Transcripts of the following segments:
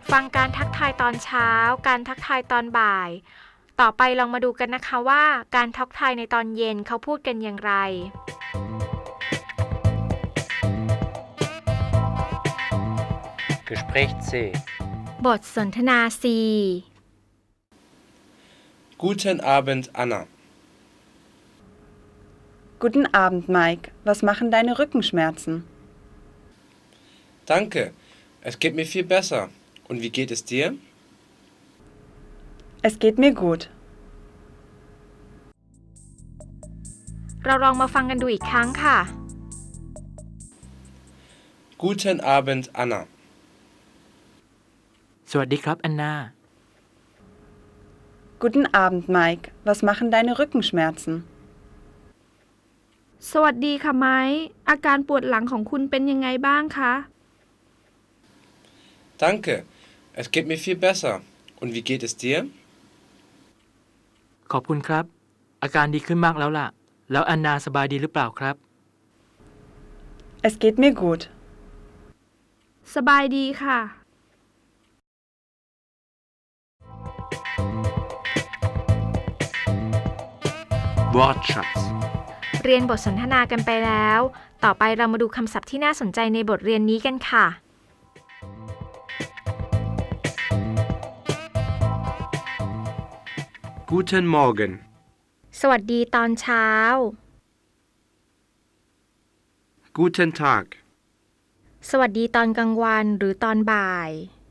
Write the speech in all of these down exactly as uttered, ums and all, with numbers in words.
ฟังการทักทายตอนเช้าการทักทายตอนบ่ายต่อไปลองมาดูกันนะคะว่าการทักทายในตอนเย็นเขาพูดกันอย่างไร Gespräch C บทสนทนา C Guten Abend, Anna. Guten Abend, Mike. Was machen deine Rückenschmerzen? Danke. Es geht mir viel besser. Und wie geht es dir? Es geht mir gut. เราลองมาฟังกันดูอีกครั้งค่ะ Guten Abend, Anna. สวัสดีครับแอนนา Guten Abend, Mike. Was machen deine Rückenschmerzen? สวัสดีค่ะไม้อาการปวดหลังของคุณเป็นยังไงบ้างคะ Danke. Es geht mir viel besser. Und wie geht es dir? ขอบคุณครับอาการดีขึ้นมากแล้วล่ะแล้วแอนนาสบายดีหรือเปล่าครับ Es geht mir gut. สบายดีค่ะ Wortschatz เรียนบทสนทนากันไปแล้วต่อไปเรามาดูคำศัพท์ที่น่าสนใจในบทเรียนนี้กันค่ะ Guten Morgen. สวัสดีตอนเช้า Guten Tag. สวัสดีตอนกลางวันหรือตอนบ่าย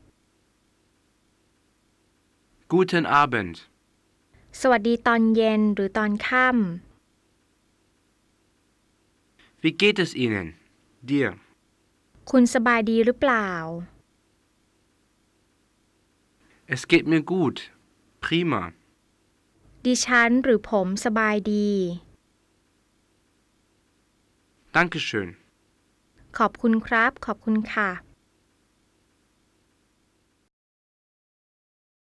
Guten Abend. สวัสดีตอนเย็นหรือตอนค่ำ Wie geht es Ihnen? Dir? คุณสบายดีหรือเปล่า Es geht mir gut. Prima. ดิฉันหรือผมสบายดี Dankeschön. ขอบคุณครับขอบคุณค่ะ